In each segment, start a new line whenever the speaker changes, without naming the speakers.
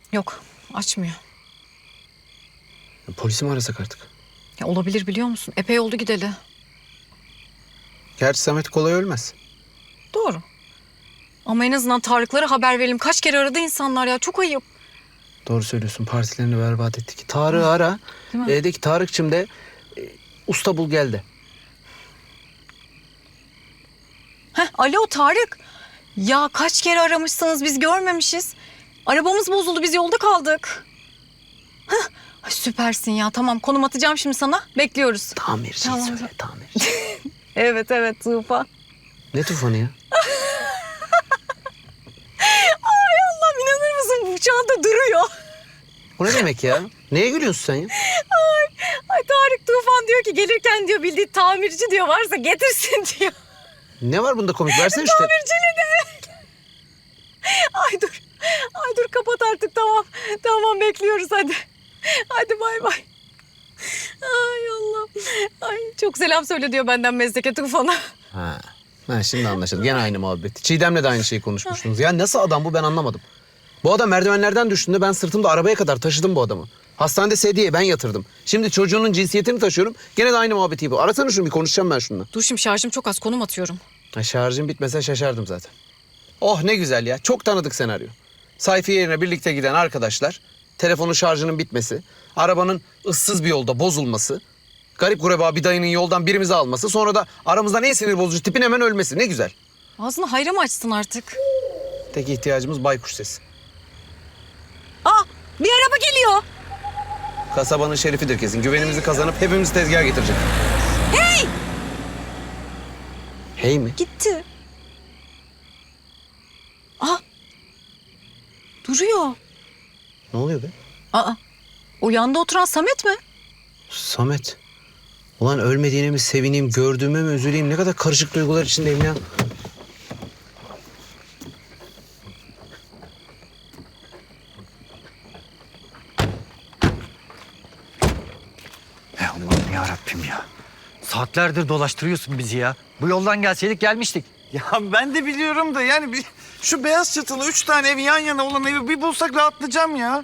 Yok, açmıyor.
Polisi mi arasak artık?
Ya olabilir biliyor musun? Epey oldu gideli.
Gerçi Samet kolay ölmez.
Doğru. Ama en azından Tarık'lara haber verelim. Kaç kere aradı insanlar ya. Çok ayıp.
Doğru söylüyorsun. Partilerini berbat ettik. Tarık'ı ara.
Değil mi?
De ki Tarık'cığım de usta bul geldi.
Alo Tarık. Ya kaç kere aramışsınız biz görmemişiz. Arabamız bozuldu biz yolda kaldık. Ay, süpersin ya tamam konum atacağım şimdi sana. Bekliyoruz.
Tamirci
Tamam.
söyle tamirci.
Evet Tufan.
Ne tufanı ya?
Allah'ım inanır mısın bu çanta duruyor.
O ne demek ya? Neye gülüyorsun sen ya?
Ay Tarık Tufan diyor ki gelirken diyor bildiği tamirci diyor varsa getirsin diyor.
Ne var bunda komik? Versene işte.
Tamirciyle de. Ay dur kapat artık tamam. Tamam bekliyoruz hadi. Hadi bay bay. Ay Allah. Ay çok selam söyle diyor benden Mezdeke Tufan'a.
Ha, şimdi anlaşıldı. Gene aynı muhabbet. Çiğdem'le de aynı şeyi konuşmuştunuz. Ya nasıl adam bu ben anlamadım. Bu adam merdivenlerden düştüğünde ben sırtımda arabaya kadar taşıdım bu adamı. Hastanede sedyeye ben yatırdım. Şimdi çocuğunun cinsiyetini taşıyorum. Gene de aynı muhabbeti bu. Arasana şunu bir konuşacağım ben şununla.
Dur şimdi şarjım çok az konum atıyorum.
Şarjım bitmese şaşardım zaten. Oh ne güzel ya. Çok tanıdık senaryo. Sayfiye yerine birlikte giden arkadaşlar. Telefonun şarjının bitmesi. Arabanın ıssız bir yolda bozulması. Garip gureba bir dayının yoldan birimizi alması. Sonra da aramızdan en sinir bozucu tipin hemen ölmesi. Ne güzel.
Ağzını hayra mı açsın artık?
Tek ihtiyacımız baykuş sesi.
Aa bir araba geliyor.
Kasabanın şerifidir kesin. Güvenimizi kazanıp hepimizi tezgaha getirecek.
Hey!
Hey mi?
Gitti. Aa duruyor.
Ne oluyor be?
Aa o yanda oturan Samet mi?
Samet. Ulan ölmediğine mi sevineyim, gördüğüme mi üzüleyim? Ne kadar karışık duygular içindeyim ya.
Allah'ım yarabbim ya. Saatlerdir dolaştırıyorsun bizi ya. Bu yoldan gelseydik gelmiştik.
Ya ben de biliyorum da yani şu beyaz çatılı 3 tane ev yan yana olan evi bir bulsak rahatlayacağım ya.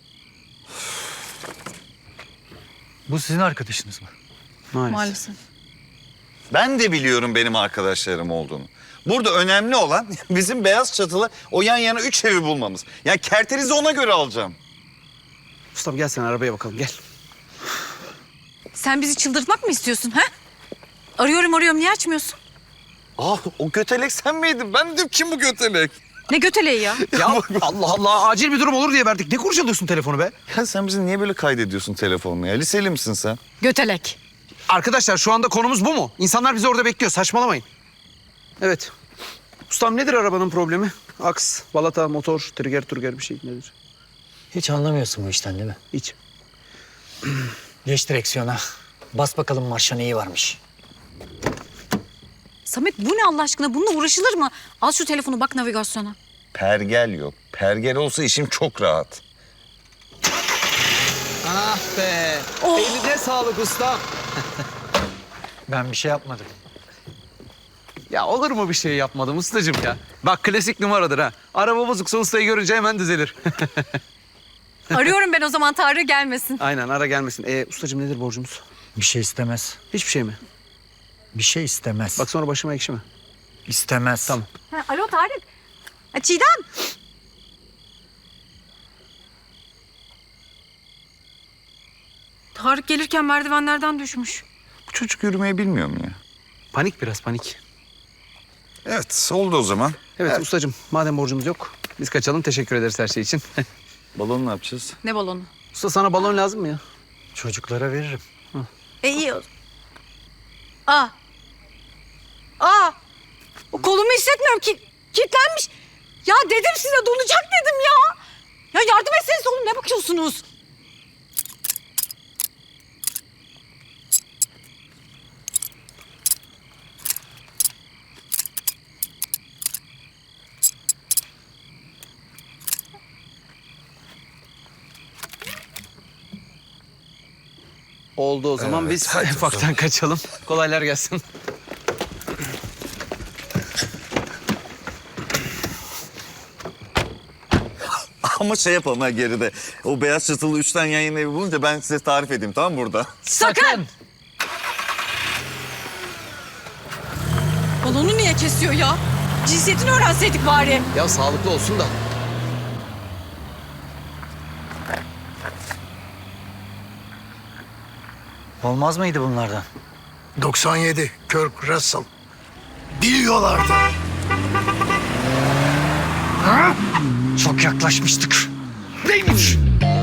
Bu sizin arkadaşınız mı?
Maalesef.
Ben de biliyorum benim arkadaşlarım olduğunu. Burada önemli olan bizim beyaz çatılı o yan yana 3 evi bulmamız. Ya kerterizi ona göre alacağım.
Mustafa gel sen arabaya bakalım gel.
Sen bizi çıldırtmak mı istiyorsun ha? Arıyorum niye açmıyorsun?
O götelek sen miydin? Ben dedim kim bu götelek?
Ne göteleği ya?
Ya Allah Allah acil bir durum olur diye verdik. Ne kurcalıyorsun telefonu be?
Ya sen bizi niye böyle kaydediyorsun telefonla ya? Liseli misin sen?
Götelek.
Arkadaşlar şu anda konumuz bu mu? İnsanlar bizi orada bekliyor. Saçmalamayın. Evet. Ustam nedir arabanın problemi? Aks, balata, motor, trigger bir şey nedir?
Hiç anlamıyorsun bu işten değil mi?
Hiç.
Geç direksiyona. Bas bakalım marşa neyi varmış.
Samet bu ne Allah aşkına? Bununla uğraşılır mı? Al şu telefonu bak navigasyona.
Pergel yok. Pergel olsa işim çok rahat.
Ah be.
Oh.
Eline sağlık ustam.
Ben bir şey yapmadım.
Ya olur mu bir şey yapmadım ustacığım ya? Bak klasik numaradır ha. Araba bozuksa ustayı görünce hemen düzelir.
Arıyorum ben o zaman Tarık gelmesin.
Aynen ara gelmesin. Ustacığım nedir borcumuz?
Bir şey istemez.
Hiçbir şey mi?
Bir şey istemez.
Bak sonra başıma ekşi mi?
İstemez.
Tamam.
Alo Tarık. Çiğdem. Tarık gelirken merdivenlerden düşmüş.
Bu çocuk yürümeyi bilmiyor mu ya?
Panik biraz panik.
Evet oldu o zaman.
Evet ustacığım madem borcumuz yok biz kaçalım teşekkür ederiz her şey için.
Balonu ne yapacağız?
Ne balonu?
Usta sana balon lazım mı ya?
Çocuklara veririm.
İyi o. Aa. O kolumu hissetmiyorum ki. Kilitlenmiş. Ya dedim size donacak dedim ya. Ya yardım etseniz oğlum ne bakıyorsunuz?
Oldu o zaman
Evet,
biz
hadi o
ufaktan kaçalım. Kolaylar gelsin.
Ama şey yapalım ha geride. O beyaz çatılı 3 tane yan yana evi bulunca ben size tarif edeyim, tamam mı, burada?
Sakın! Balonu niye kesiyor ya? Cinsiyetini öğrenseydik bari.
Ya sağlıklı olsun da.
Olmaz mıydı bunlardan?
97 Kirk Russell. Biliyorlardı.
Çok yaklaşmıştık.
Neymiş?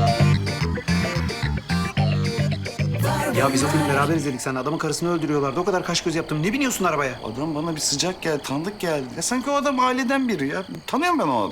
Ya biz o filmi beraber izledik. Sen adamın karısını öldürüyorlardı. O kadar kaş göz yaptım. Ne biniyorsun arabaya?
Adam bana bir sıcak geldi, tanıdık geldi. Ya sanki o adam aileden biri ya. Tanıyorum ben o adamı.